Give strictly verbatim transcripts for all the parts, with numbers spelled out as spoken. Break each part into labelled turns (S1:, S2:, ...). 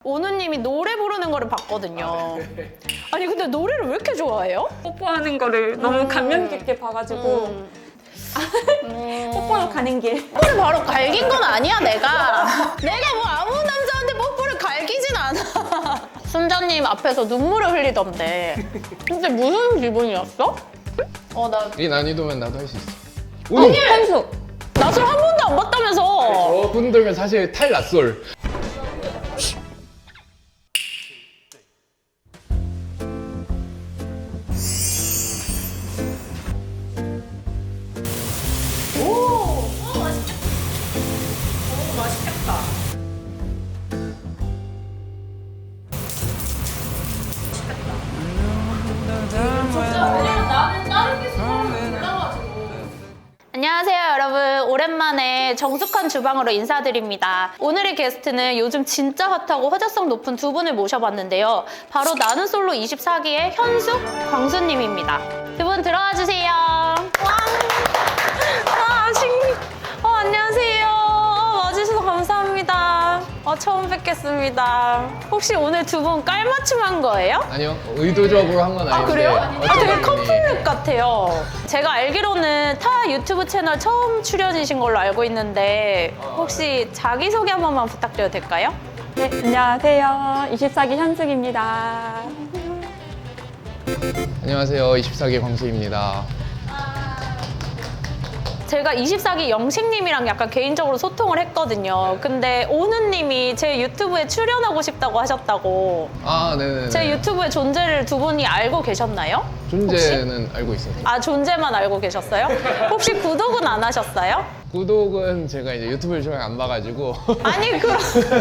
S1: 오누님이 노래 부르는 거를 봤거든요. 아니 근데 노래를 왜 이렇게 좋아해요?
S2: 뽀뽀하는 거를 너무
S1: 음.
S2: 감명 깊게 봐가지고
S1: 음.
S2: 뽀뽀로 가는 길.
S1: 뽀뽀를 바로 갈긴 건 아니야 내가. 내가 뭐 아무 남자한테 뽀뽀를 갈기진 않아. 순자님 앞에서 눈물을 흘리던데. 근데 무슨 기분이었어? 어, 나
S3: 이 난이도면 나도 할 수 있어.
S2: 아니, 현수.
S1: 낯을 한 번도 안 봤다면서.
S3: 저분들은 사실 탈낯솔.
S1: 안녕하세요 여러분, 오랜만에 정숙한 주방으로 인사드립니다. 오늘의 게스트는 요즘 진짜 핫하고 화제성 높은 두 분을 모셔봤는데요. 바로 나는 솔로 이십사 기의 현숙, 광수님입니다. 두 분 들어와 주세요. 와, 아, 신... 어, 안녕하세요. 어, 와주셔서 감사합니다. 어, 처음 뵙겠습니다. 혹시 오늘 두 분 깔맞춤한 거예요?
S3: 아니요, 의도적으로 한 건 아닌데.
S1: 아 그래요? 아
S3: 어쩌다
S1: 되게
S3: 보니.
S1: 커플룩 같아요. 제가 알기로는 타 유튜브 채널 처음 출연이신 걸로 알고 있는데 혹시 자기소개 한 번만 부탁드려도 될까요?
S2: 네, 안녕하세요. 이십사 기 현숙입니다.
S3: 안녕하세요, 이십사 기 광수입니다.
S1: 제가 이십사 기 영식님이랑 약간 개인적으로 소통을 했거든요. 근데 오누님이 제 유튜브에 출연하고 싶다고 하셨다고.
S3: 아, 네네.
S1: 제 유튜브의 존재를 두 분이 알고 계셨나요?
S3: 존재는 알고 있어요.
S1: 아, 존재만 알고 계셨어요? 혹시 구독은 안 하셨어요?
S3: 구독은 제가 이제 유튜브를 잘 안 봐가지고.
S1: 아니, 그럼.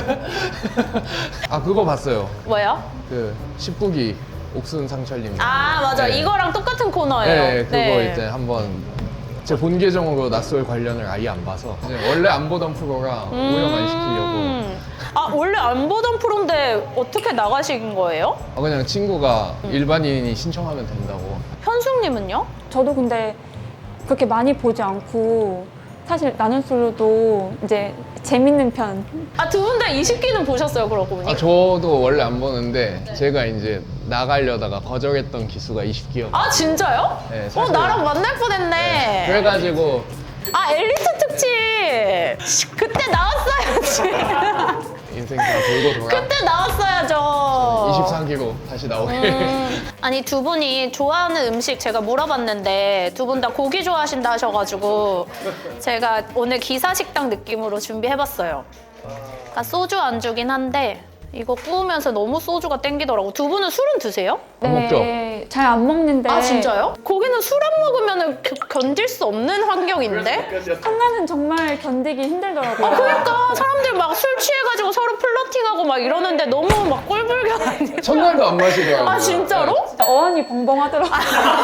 S3: 아, 그거 봤어요.
S1: 뭐요?
S3: 그 십구 기 옥순 상철님.
S1: 아, 맞아.
S3: 네.
S1: 이거랑 똑같은 코너예요.
S3: 네, 그거 이제 한번 제 본 계정으로 낯설 관련을 아예 안 봐서 이제 원래 안 보던 프로랑 오염 안 시키려고.
S1: 음. 아, 원래 안 보던 프로인데 어떻게 나가신 거예요?
S3: 아, 그냥 친구가 일반인이 신청하면 된다고.
S1: 현숙님은요?
S2: 저도 근데 그렇게 많이 보지 않고 사실 나는 솔로도 이제 재밌는 편.
S1: 아, 두 분 다 이십 기는 보셨어요, 그러고 보니?
S3: 아, 저도 원래 안 보는데 제가 이제 나가려다가 거절했던 기수가 이십 기였고.
S1: 아, 진짜요?
S3: 네,
S1: 어,
S3: 사실-
S1: 나랑 만날 뻔했네.
S3: 그래가지고
S1: 아, 엘리트 특집! 그때 나왔어야지.
S3: 인생 다 돌고 돌아
S1: 그때 나왔어야죠.
S3: 이십사 기로 다시 나오게.
S1: 음, 아니 두 분이 좋아하는 음식 제가 물어봤는데 두 분 다 고기 좋아하신다 하셔가지고 제가 오늘 기사식당 느낌으로 준비해봤어요. 그러니까 소주 안주긴 한데 이거 구우면서 너무 소주가 땡기더라고. 두 분은 술은 드세요?
S3: 안 먹죠?
S2: 네, 잘 안 먹는데.
S1: 아 진짜요? 거기는 술 안 먹으면 견딜 수 없는 환경인데?
S2: 한간은 정말 견디기 힘들더라고요.
S1: 아 그러니까 사람들 막 술 취해가지고 서로 플러팅하고 막 이러는데 너무 막 꼴불견 아니에요?
S3: 첫날도 안 마시더라고요.
S1: 아 진짜로?
S2: 어안이 벙벙하더라고요.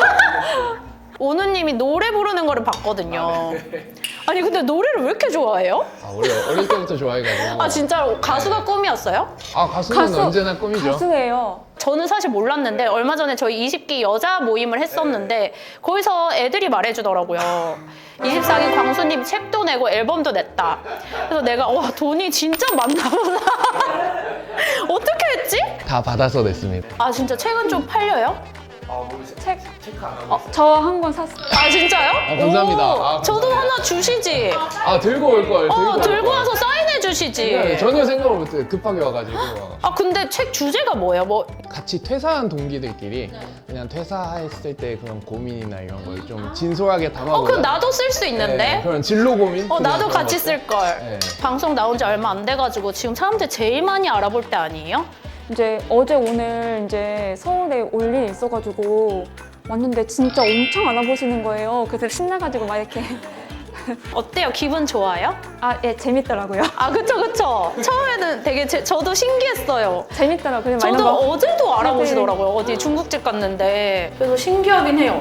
S1: 오누님이 노래 부르는 거를 봤거든요. 아니 근데 노래를 왜 이렇게 좋아해요?
S3: 아, 원래 어릴 때부터 좋아해가지고.
S1: 아 진짜로 가수가 꿈이었어요?
S3: 아, 가수는
S2: 가수,
S3: 언제나 꿈이죠.
S2: 가수예요.
S1: 저는 사실 몰랐는데 얼마 전에 저희 이십 기 여자 모임을 했었는데 거기서 애들이 말해주더라고요. 이십사 기 광수님이 책도 내고 앨범도 냈다. 그래서 내가 와 돈이 진짜 많나 보다. 어떻게 했지?
S3: 다 받아서 냈습니다.
S1: 아 진짜 책은 좀 팔려요?
S2: 책, 어, 저 한 권 샀어요.
S1: 아 진짜요?
S3: 아, 감사합니다.
S1: 오,
S3: 아, 감사합니다.
S1: 저도 하나 주시지.
S3: 아, 들고 올 걸.
S1: 어
S3: 올
S1: 들고
S3: 걸.
S1: 와서 사인해 주시지.
S3: 네, 전혀 생각을 못해. 급하게 와가지고.
S1: 아 근데 책 주제가 뭐예요? 뭐
S3: 같이 퇴사한 동기들끼리 그냥 퇴사했을 때 그런 고민이나 이런 걸 좀 진솔하게 담아보자.
S1: 어, 그럼 나도 쓸 수 있는데?
S3: 네, 그런 진로 고민?
S1: 어,
S3: 그냥
S1: 나도
S3: 그런
S1: 같이
S3: 것들.
S1: 쓸 걸.
S3: 네.
S1: 방송 나온 지 얼마 안 돼가지고 지금 사람들 제일 많이 알아볼 때 아니에요?
S2: 이제 어제 오늘 이제 서울에 올 일이 있어가지고 왔는데 진짜 엄청 알아보시는 거예요. 그래서 신나가지고 막 이렇게
S1: 어때요? 기분 좋아요?
S2: 아, 예, 재밌더라고요.
S1: 아, 그쵸, 그쵸. 처음에는 되게 제, 저도 신기했어요.
S2: 재밌더라고요. 막 이런
S1: 저도
S2: 거.
S1: 어제도 알아보시더라고요. 어디 중국집 갔는데. 그래서 신기하긴 해요.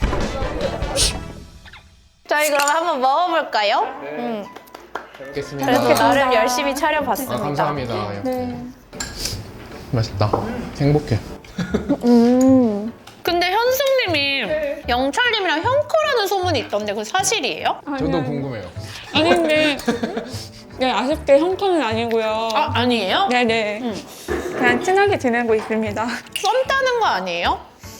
S1: 저희 그럼 한번 먹어볼까요? 음.
S3: 알겠습니다.
S1: 그래도
S2: 먹겠습니다.
S1: 나름 열심히
S3: 아,
S1: 차려봤습니다.
S3: 감사합니다.
S2: 네.
S3: 맛있다. 행복해.
S2: 음.
S1: 근데 현숙님이 영철님이랑 형커라는 소문이 있던데 그거 사실이에요?
S3: 저도 궁금해요.
S2: 아닌데 네, 아쉽게 형편은 아니고요.
S1: 아, 아니에요?
S2: 네네.
S1: 음.
S2: 그냥 친하게 지내고 있습니다.
S1: 썸 타는 거 아니에요?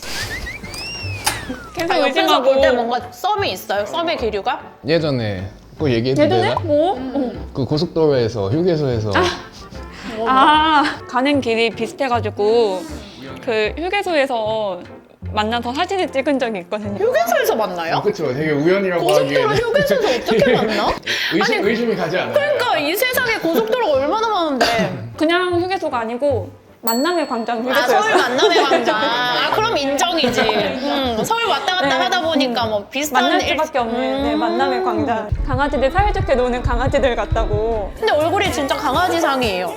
S2: 계속
S1: 아, 옆에서
S2: 의심하고.
S1: 볼 때 뭔가 썸이 있어요? 썸의 기류가?
S3: 예전에 그거 얘기해도
S2: 예전에?
S3: 되나?
S2: 뭐?
S3: 그 고속도로에서 휴게소에서
S2: 아, 가는 길이 비슷해가지고 그 휴게소에서 만나서 사진을 찍은 적이 있거든요.
S1: 휴게소에서 만나요?
S3: 어, 그쵸, 되게 우연이라고
S1: 고속도로
S3: 하기에는
S1: 휴게소에서 어떻게 만나?
S3: 의심,
S1: 아니,
S3: 의심이 가지 않아요.
S1: 그러니까 이 세상에 고속도로가 얼마나 많은데.
S2: 그냥 휴게소가 아니고 만남의 광장
S1: 아,
S2: 휴게소였어요.
S1: 서울 만남의 광장. 아, 그럼 인정이지. 음, 서울 왔다 갔다
S2: 네.
S1: 하다 보니까 뭐 비슷한
S2: 만날
S1: 일-
S2: 수밖에 없는 네,
S1: 음.
S2: 만남의 광장. 강아지들 사이좋게 노는 강아지들 같다고.
S1: 근데 얼굴이 진짜 강아지상이에요.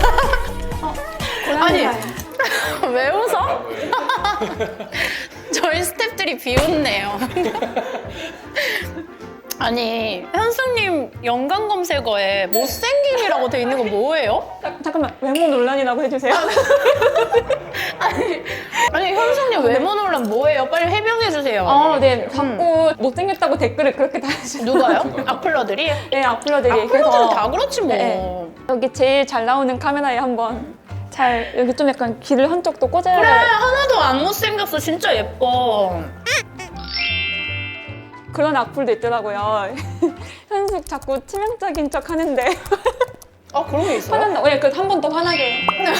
S1: 아니, 왜 웃어? 저희 스태프들이 비웃네요. 아니, 현숙님 연관 검색어에 못생김이라고 돼 있는 거 뭐예요?
S2: 자, 잠깐만 외모 논란이라고 해주세요.
S1: 아니, 아니 현숙님 외모 논란 뭐예요? 빨리 해명해 주세요.
S2: 아, 네. 자꾸 못생겼다고 댓글을 그렇게 달아주세요.
S1: 누가요? 악플러들이?
S2: 네, 악플러들이.
S1: 악플러들은 다 그렇지 뭐.
S2: 네. 여기 제일 잘 나오는 카메라에 한번 잘 여기 좀 약간 귀를 한쪽도 꽂아야
S1: 그래, 하나도 안 못생겼어. 진짜 예뻐.
S2: 그런 악플도 있더라고요. 현숙 자꾸 치명적인 척 하는데
S1: 아, 그런 게 있어요?
S2: 화난다. 왜 그 한 번 더 화나게.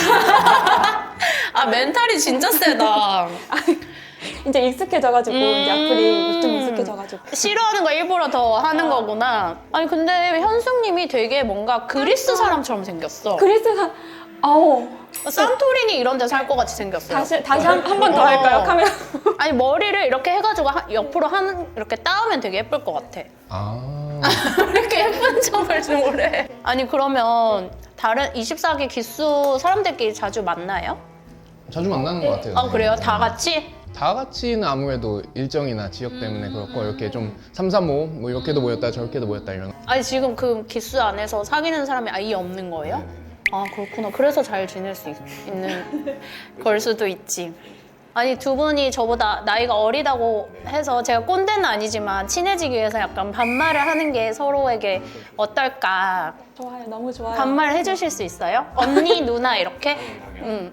S1: 아, 멘탈이 진짜 세다.
S2: 이제 익숙해져가지고 이제 악플이 좀
S1: 음.
S2: 익숙해져가지고.
S1: 싫어하는 거 일부러 더 하는 거구나. 아니, 근데 현숙님이 되게 뭔가 그리스 사람처럼 생겼어.
S2: 그리스가 아우
S1: 산토리니 이런 데 살 것 같이 생겼어요.
S2: 다시 다시 한 번 더
S1: 어.
S2: 할까요 카메라?
S1: 아니, 머리를 이렇게 해가지고 하- 옆으로 한 이렇게 따으면 되게 예쁠 것 같아.
S3: 아,
S1: 이렇게 예쁜 척을 좀 해. 아니, 그러면 다른 이십사 기 기수 사람들끼리 자주 만나요?
S3: 자주 만나는 것 같아요.
S1: 아, 그래요? 다 같이?
S3: 다 같이는 아무래도 일정이나 지역 때문에 그렇고 이렇게 좀 삼삼오오 뭐 이렇게도 모였다 저렇게도 모였다 이런.
S1: 아니, 지금 그 기수 안에서 사귀는 사람이 아예 없는 거예요? 아, 그렇구나. 그래서 잘 지낼 수 있, 있는 걸 수도 있지. 아니, 두 분이 저보다 나이가 어리다고 해서 제가 꼰대는 아니지만 친해지기 위해서 약간 반말을 하는 게 서로에게 어떨까.
S2: 좋아요, 너무 좋아요.
S1: 반말 해주실 수 있어요? 언니, 누나 이렇게? 응.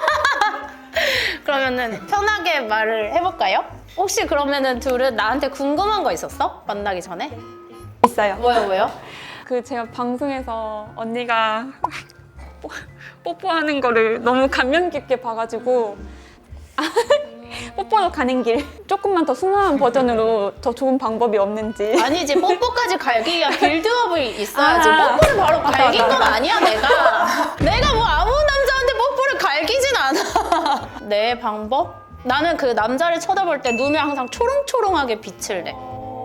S1: 그러면은 편하게 말을 해볼까요? 혹시 그러면은 둘은 나한테 궁금한 거 있었어? 만나기 전에?
S2: 있어요.
S1: 뭐요, 뭐요?
S2: 그 제가 방송에서 언니가 뽀- 뽀뽀하는 거를 너무 감명 깊게 봐가지고 뽀뽀로 가는 길 조금만 더 순화한 버전으로 더 좋은 방법이 없는지.
S1: 아니지, 뽀뽀까지 갈기 위한 빌드업이 있어야지.
S2: 아.
S1: 뽀뽀를 바로
S2: 맞다,
S1: 갈긴
S2: 맞다,
S1: 건
S2: 맞다.
S1: 아니야, 내가. 내가 뭐 아무 남자한테 뽀뽀를 갈기진 않아. 내 방법? 나는 그 남자를 쳐다볼 때 눈을 항상 초롱초롱하게 빛을 내.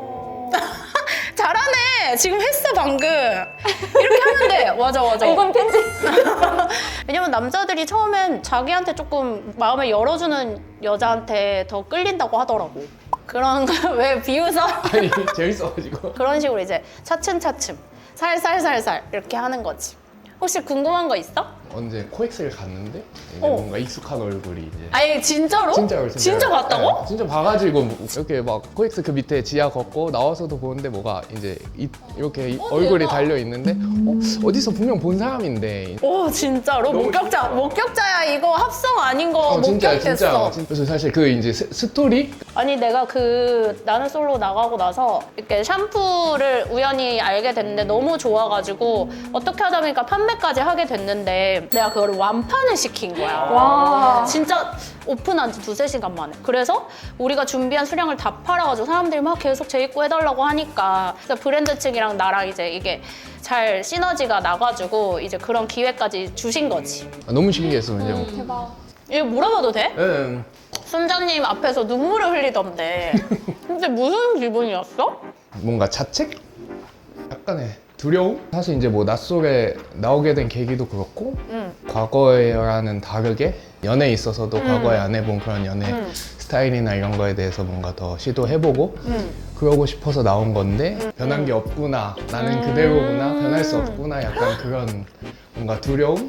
S1: 잘하네. 지금 했어, 방금. 이렇게 하면 돼. 맞아, 맞아.
S2: 이건 편집.
S1: 왜냐면 남자들이 처음엔 자기한테 조금 마음을 열어주는 여자한테 더 끌린다고 하더라고. 그런 거 왜 비웃어?
S3: 아니 재밌어가지고.
S1: 그런 식으로 이제 차츰차츰 살살살살 이렇게 하는 거지. 혹시 궁금한 거 있어?
S3: 언제 코엑스를 갔는데 이제
S1: 어.
S3: 뭔가 익숙한 얼굴이 이제.
S1: 아니, 진짜로?
S3: 진짜로 진짜.
S1: 진짜 봤다고?
S3: 네, 진짜 봐가지고 뭐 이렇게 막 코엑스 그 밑에 지하 걷고 나와서도 보는데 뭐가 이제 이, 이렇게 이-
S1: 어,
S3: 얼굴이
S1: 대박.
S3: 달려 있는데 어, 어디서 분명 본 사람인데.
S1: 오, 진짜로? 목격자, 목격자야. 이거 합성 아닌 거
S3: 어, 진짜
S1: 목격됐어.
S3: 진짜. 그래서 사실 그 이제 스, 스토리
S1: 아니, 내가 그 나는 솔로 나가고 나서 이렇게 샴푸를 우연히 알게 됐는데 너무 좋아가지고 어떻게 하다 보니까 판매까지 하게 됐는데 내가 그거를 완판을 시킨 거야.
S2: 와.
S1: 진짜 오픈한 지 두세 시간 만에. 그래서 우리가 준비한 수량을 다 팔아가지고 사람들이 막 계속 재입고 해달라고 하니까 그래서 브랜드 측이랑 나랑 이제 이게 잘 시너지가 나가지고 이제 그런 기회까지 주신 거지.
S3: 아, 너무 신기했어. 이제.
S2: 대박.
S1: 이거 물어봐도 돼?
S3: 예.
S1: 순자님 앞에서 눈물을 흘리던데 근데 무슨 기분이었어?
S3: 뭔가 자책? 약간의 두려움? 사실 이제 뭐 낯설에 나오게 된 계기도 그렇고
S1: 응.
S3: 과거에와는 다르게 연애에 있어서도
S1: 음.
S3: 과거에 안 해본 그런 연애
S1: 음.
S3: 스타일이나 이런 거에 대해서 뭔가 더 시도해보고
S1: 응.
S3: 그러고 싶어서 나온 건데 변한 게 없구나 나는
S1: 음.
S3: 그대로구나 변할 수 없구나 약간 그런 뭔가 두려움?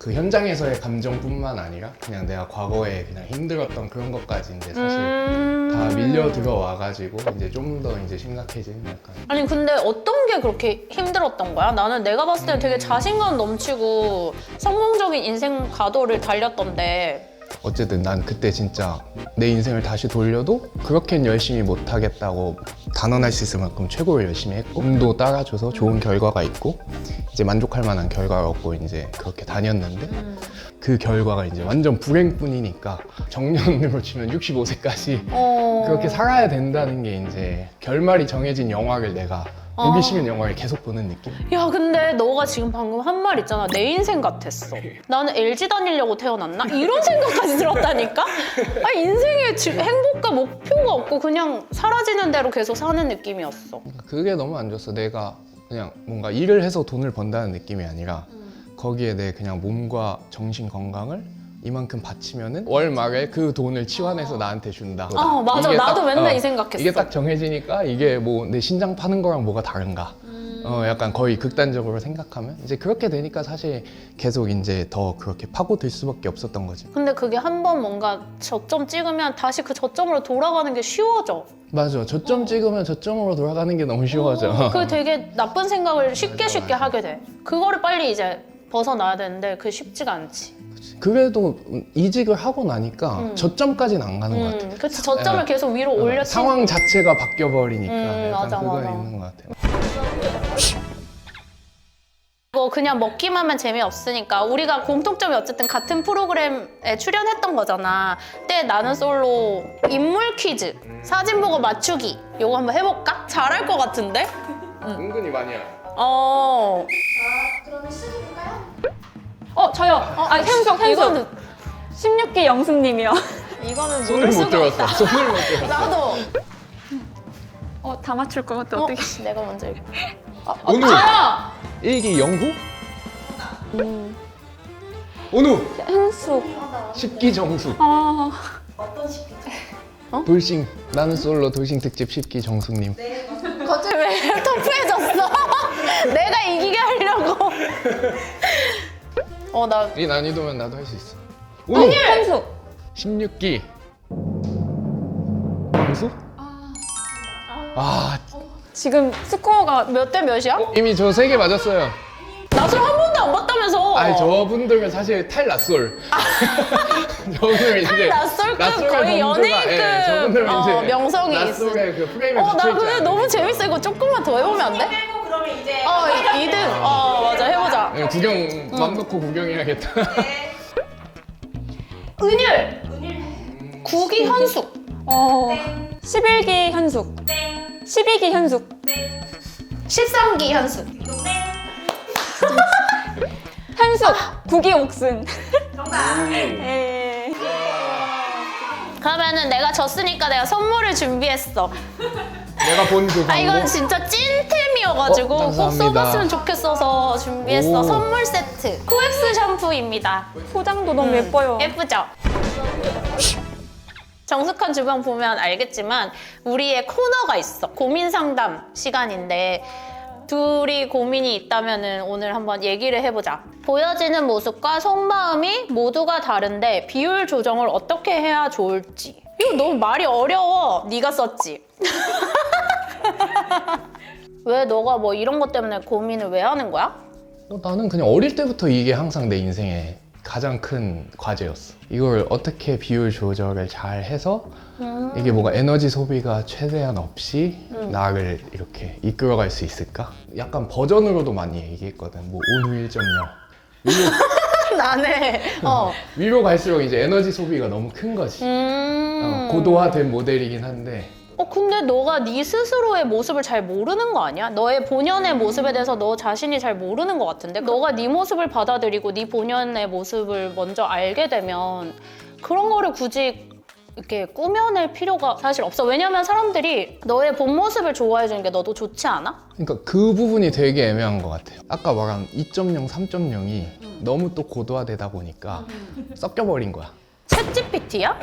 S3: 그 현장에서의 감정뿐만 아니라 그냥 내가 과거에 그냥 힘들었던 그런 것까지 이제 사실
S1: 음...
S3: 다 밀려 들어와가지고 이제 좀 더 이제 심각해진 약간.
S1: 아니 근데 어떤 게 그렇게 힘들었던 거야? 나는 내가 봤을 때는 되게 자신감 넘치고 성공적인 인생 가도를 달렸던데.
S3: 어쨌든 난 그때 진짜 내 인생을 다시 돌려도 그렇게는 열심히 못하겠다고 단언할 수 있을 만큼 최고를 열심히 했고 운도 따라줘서 좋은 결과가 있고 이제 만족할 만한 결과를 얻고 이제 그렇게 다녔는데
S1: 음.
S3: 그 결과가 이제 완전 불행뿐이니까 정년으로 치면 육십오 세까지
S1: 어...
S3: 그렇게 살아야 된다는 게 이제 결말이 정해진 영화를 내가
S1: 어.
S3: 보기 싫은 영화를 계속 보는 느낌?
S1: 야 근데 너가 지금 방금 한 말 있잖아. 내 인생 같았어. 나는 엘지 다니려고 태어났나? 이런 생각까지 들었다니까? 아 인생에 지- 행복과 목표가 없고 그냥 사라지는 대로 계속 사는 느낌이었어.
S3: 그게 너무 안 좋았어. 내가 그냥 뭔가 일을 해서 돈을 번다는 느낌이 아니라 거기에 내 그냥 몸과 정신 건강을 이만큼 바치면은 월 말에 그 돈을 치환해서 나한테 준다.
S1: 아 맞아.
S3: 이게
S1: 나도
S3: 딱,
S1: 맨날
S3: 어,
S1: 이 생각했어.
S3: 이게 딱 정해지니까 이게 뭐 내 신장 파는 거랑 뭐가 다른가. 어 약간 거의 극단적으로 생각하면 이제 그렇게 되니까 사실 계속 이제 더 그렇게 파고들 수밖에 없었던 거지.
S1: 근데 그게 한 번 뭔가 저점 찍으면 다시 그 저점으로 돌아가는 게 쉬워져.
S3: 맞아. 저점 찍으면 저점으로 돌아가는 게 너무 쉬워져.
S1: 그 되게 나쁜 생각을 쉽게 쉽게 하게 돼. 그거를 빨리 이제 벗어나야 되는데 그게 쉽지가 않지.
S3: 그래도 이직을 하고 나니까
S1: 음.
S3: 저점까지는 안 가는 것 같아.
S1: 음, 그치 저점을
S3: 예.
S1: 계속 위로 올려 치
S3: 상황 자체가 바뀌어 버리니까
S1: 음,
S3: 약간
S1: 맞아,
S3: 그건
S1: 맞아.
S3: 있는 것 같아요.
S1: 뭐 그냥 먹기만 하면 재미없으니까 우리가 공통점이 어쨌든 같은 프로그램에 출연했던 거잖아. 그때 나는 솔로 인물 퀴즈 사진 보고 맞추기 요거 한번 해볼까? 잘할 것 같은데?
S3: 은근히 많이 해.
S1: 어.
S2: 어 저요. 아 현숙 현숙.
S1: 이거는
S2: 십육 기 영숙님이요.
S1: 이거는
S3: 손을
S1: 모를
S3: 못
S1: 수가
S3: 들었어.
S1: 없다.
S3: 손을 못 들었어.
S1: 나도.
S2: 어 다 맞출 것 같아.
S1: 어,
S2: 어떻게?
S1: 내가 먼저 얘기해.
S3: 오누.
S2: 저요.
S3: 일기 영후? 오누.
S2: 현숙.
S3: 십기 정숙.
S2: 아
S3: 돌싱. 나는 솔로 돌싱 특집 십기 정숙님.
S1: 갑자기 왜 터프해졌어? 내가 이기게 하려고. 어, 나
S3: 이 난이도면 나도 할 수 있어. 오누.
S2: 현숙.
S3: 십육 기. 정숙? 아,
S2: 지금 스코어가
S1: 몇 대 몇이야?
S3: 이미 저 세 개 맞았어요.
S1: 나술 한 번도 안 봤다면서.
S3: 아니 저분들은 사실 탈낯솔. 저분들은 이제
S1: 낯설급
S3: 낯설의
S1: 거의
S3: 범주가,
S1: 연예인급
S3: 예, 저분들은
S1: 어,
S3: 이제
S1: 명성이 있어.
S3: 낯설의 그 프레임에
S1: 어, 나
S3: 붙여있지
S1: 근데
S3: 않아요.
S1: 너무 재밌어. 이거 조금만 더 해보면 안 돼?
S4: 빼고 그러면 이제
S1: 어, 이 등. 어, 맞아. 해보자.
S3: 예, 구경 맘 놓고 구경해야겠다.
S1: 은율. 구기 현숙.
S2: 어 십일 기 현숙. 십이 기 현숙.
S1: 십삼 기 현숙.
S2: 현숙. 구 기 옥순.
S4: 정답.
S2: 예.
S1: 그러면은 내가 졌으니까 내가 선물을 준비했어.
S3: 내가 본 그
S1: 아, 이건
S3: 광고.
S1: 진짜 찐템이어가지고
S3: 어,
S1: 꼭
S3: 감사합니다.
S1: 써봤으면 좋겠어서 준비했어.
S3: 오.
S1: 선물 세트. 코엑스 샴푸입니다.
S2: 포장도 너무 예뻐요.
S1: 예쁘죠? 정숙한 주방 보면 알겠지만 우리의 코너가 있어. 고민 상담 시간인데 둘이 고민이 있다면 오늘 한번 얘기를 해보자. 보여지는 모습과 속마음이 모두가 다른데 비율 조정을 어떻게 해야 좋을지. 이거 너무 말이 어려워. 네가 썼지? 왜 너가 뭐 이런 것 때문에 고민을 왜 하는 거야?
S3: 어, 나는 그냥 어릴 때부터 이게 항상 내 인생의 가장 큰 과제였어. 이걸 어떻게 비율 조절을 잘 해서 이게 뭐가 에너지 소비가 최대한 없이 나를 이렇게 이끌어갈 수 있을까? 약간 버전으로도 많이 얘기했거든. 뭐 온후 일 점 영. 위로,
S1: 나네. 어.
S3: 위로 갈수록 이제 에너지 소비가 너무 큰 거지.
S1: 음.
S3: 어, 고도화된 모델이긴 한데
S1: 어 근데 너가 네 스스로의 모습을 잘 모르는 거 아니야? 너의 본연의 모습에 대해서 너 자신이 잘 모르는 것 같은데? 너가 네 모습을 받아들이고 네 본연의 모습을 먼저 알게 되면 그런 거를 굳이 이렇게 꾸며낼 필요가 사실 없어. 왜냐면 사람들이 너의 본 모습을 좋아해 주는 게 너도 좋지 않아?
S3: 그러니까 그 부분이 되게 애매한 것 같아요. 아까 말한 이 점 영, 삼 점 영이 너무 또 고도화되다 보니까 섞여버린 거야.
S1: 챗지피티야?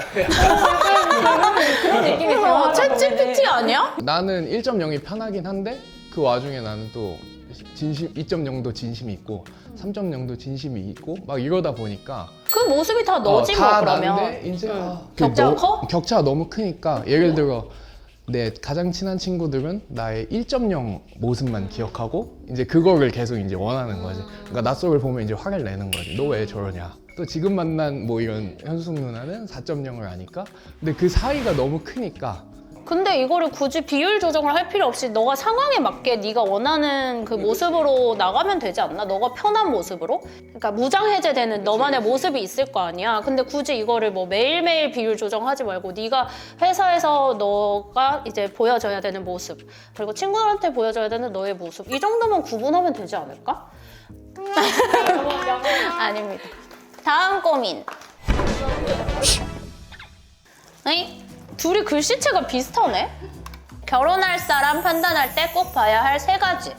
S2: 그런 느낌이
S1: 어, 챗지피티 아니야?
S3: 나는 일 점 영이 편하긴 한데 그 와중에 나는 또 진심 이 점 영도 진심이 있고 삼 점 영도 진심이 있고 막 이러다 보니까
S1: 그 모습이 다 너지
S3: 어,
S1: 뭐
S3: 다
S1: 그러면.
S3: 난데 이제
S1: 응.
S3: 아, 그
S1: 격차가
S3: 너-
S1: 커?
S3: 격차가 너무 크니까 예를 들어 내 가장 친한 친구들은 나의 일 점 영 모습만 기억하고 이제 그거를 계속 이제 원하는 거지. 그러니까 낯설을 보면 이제 화를 내는 거지. 너 왜 저러냐? 또 지금 만난 뭐 이런 현숙 누나는 사 점 영을 아니까. 근데 그 사이가 너무 크니까
S1: 근데 이거를 굳이 비율 조정을 할 필요 없이 너가 상황에 맞게 네가 원하는 그 모습으로 나가면 되지 않나? 너가 편한 모습으로? 그러니까 무장해제되는 너만의 모습이 있을 거 아니야. 근데 굳이 이거를 뭐 매일매일 비율 조정하지 말고 네가 회사에서 너가 이제 보여줘야 되는 모습 그리고 친구들한테 보여줘야 되는 너의 모습 이 정도만 구분하면 되지 않을까? 아닙니다. 다음 고민. 에이? 둘이 글씨체가 비슷하네? 결혼할 사람 판단할 때 꼭 봐야 할 세 가지.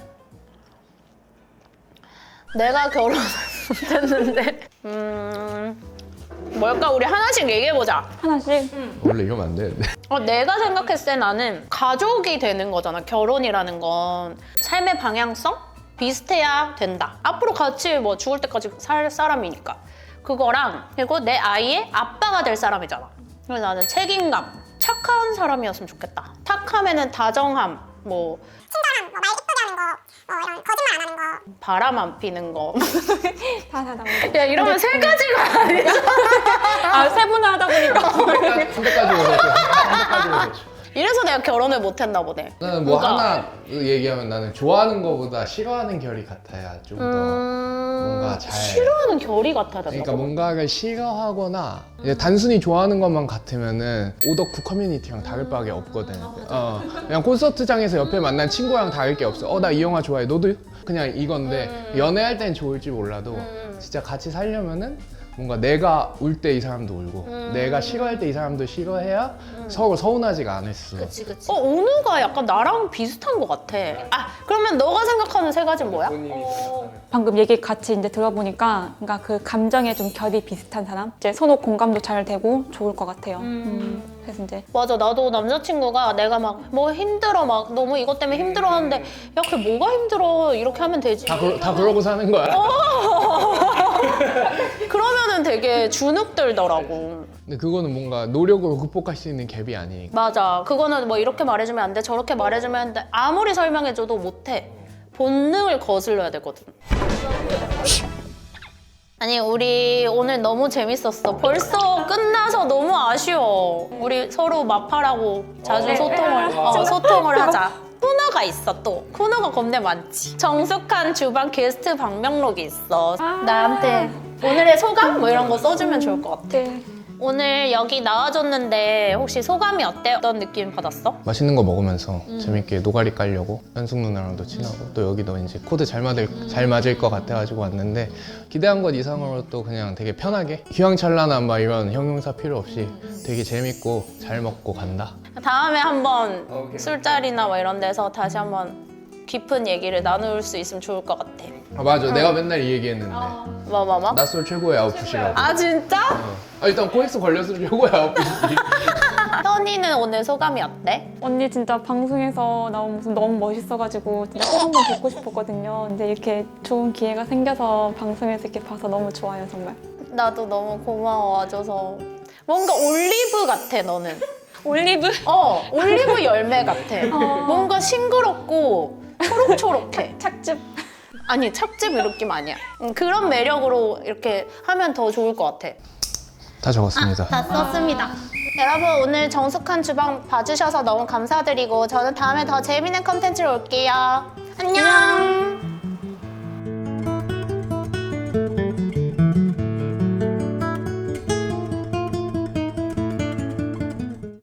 S1: 내가 결혼을 못했는데 음... 뭘까? 우리 하나씩 얘기해보자.
S2: 하나씩.
S3: 원래 이러면 안 되는데.
S1: 어, 내가 생각했을 때 나는 가족이 되는 거잖아. 결혼이라는 건 삶의 방향성? 비슷해야 된다. 앞으로 같이 뭐 죽을 때까지 살 사람이니까. 그거랑 그리고 내 아이의 아빠가 될 사람이잖아. 그래서 나는 책임감, 착한 사람이었으면 좋겠다. 착함에는 다정함, 뭐
S4: 친절함, 뭐말 예쁘게 하는 거, 뭐 이런 거짓말 안 하는 거.
S1: 바람 안 피는 거.
S2: 다다 다.
S1: 야 이러면 세 가지가 아니야.
S2: 아 세분화하다 보니까.
S3: 한 대까지 오셨죠. 한 대까지 오셨죠.
S1: 이래서 내가 결혼을 못했나 보네.
S3: 나는 뭐
S1: 뭔가-
S3: 하나 얘기하면 나는 좋아하는 거보다 싫어하는 결이 같아야 좀 더
S1: 음...
S3: 뭔가 잘-
S1: 싫어하는 결이 같아야 된다고?
S3: 그러니까 뭔가를 싫어하거나 이제 단순히 좋아하는 것만 같으면은 오덕후 커뮤니티랑 다를 바가 없거든. 어, 그냥 콘서트장에서 옆에 만난 친구랑 다를 게 없어. 어, 나 이 영화 좋아해. 너도? 그냥 이건데 연애할 땐 좋을지 몰라도 진짜 같이 살려면은 뭔가 내가 울 때 이 사람도 울고 내가 싫어할 때 이 사람도 싫어해야 서로 서운하지가 않을 수.
S1: 그치 그치. 어 오누가 약간 나랑 비슷한 것 같아. 아 그러면 너가 생각하는 세 가지는 뭐야?
S2: 방금 얘기 같이 이제 들어보니까 그러니까 그 감정에 좀 결이 비슷한 사람, 이제 서로 공감도 잘 되고 좋을 것 같아요. 음, 그래서 이제
S1: 맞아 나도 남자친구가 내가 막 뭐 힘들어 막 너무 이것 때문에 힘들어 하는데 야 그게 뭐가 힘들어 이렇게 하면 되지.
S3: 다, 그러, 다 그러고 사는 거야.
S1: 그러면은 되게 주눅 들더라고.
S3: 근데 그거는 뭔가 노력으로 극복할 수 있는 갭이 아니니까.
S1: 맞아 그거는 뭐 이렇게 말해주면 안 돼 저렇게 말해주면 안 돼 아무리 설명해줘도 못해. 본능을 거슬러야 되거든. 아니 우리 오늘 너무 재밌었어. 벌써 끝나서 너무 아쉬워. 우리 서로 마팔하고 자주 소통을 어, 소통을 하자. 코너가 있어 또. 코너가 겁내 많지. 정숙한 주방 게스트 방명록이 있어. 나한테 오늘의 소감 뭐 이런 거 써주면 좋을 것 같아.
S2: 네.
S1: 오늘 여기 나와줬는데 혹시 소감이 어때? 어떤 느낌 받았어?
S3: 맛있는 거 먹으면서 재밌게 노가리 깔려고 현숙 누나랑도 친하고 또 여기도 이제 코드 잘 맞을, 잘 맞을 것 같아가지고 왔는데 기대한 것 이상으로 또 그냥 되게 편하게 휘황찬란한 막 이런 형용사 필요 없이 되게 재밌고 잘 먹고 간다.
S1: 다음에 한번
S3: 오케이.
S1: 술자리나 뭐 이런 데서 다시 한번 깊은 얘기를 나눌 수 있으면 좋을 것 같아.
S3: 아 맞아 내가 맨날 이 얘기했는데
S1: 뭐 뭐 뭐?
S3: 낯설 최고의 아웃풋이라고.
S1: 아 진짜?
S3: 아, 일단 코엑스 걸려서 최고의 아웃풋이지.
S1: 현이는 오늘 소감이 어때?
S2: 언니 진짜 방송에서 나온 모습 너무 멋있어가지고 진짜 꼭 한번 뵙고 싶었거든요. 근데 이렇게 좋은 기회가 생겨서 방송에서 이렇게 봐서 너무 좋아요, 정말.
S1: 나도 너무 고마워 와줘서. 뭔가 올리브 같아 너는.
S2: 올리브?
S1: 어 올리브 열매 같아. 뭔가 싱그럽고 초록초록해.
S2: 착즙.
S1: 아니 찹즙 이 느낌 아니야. 음, 그런 매력으로 이렇게 하면 더 좋을 것 같아.
S3: 다 적었습니다.
S1: 다 썼습니다. 여러분 오늘 정숙한 주방 봐주셔서 너무 감사드리고 저는 다음에 더 재밌는 컨텐츠로 올게요. 안녕.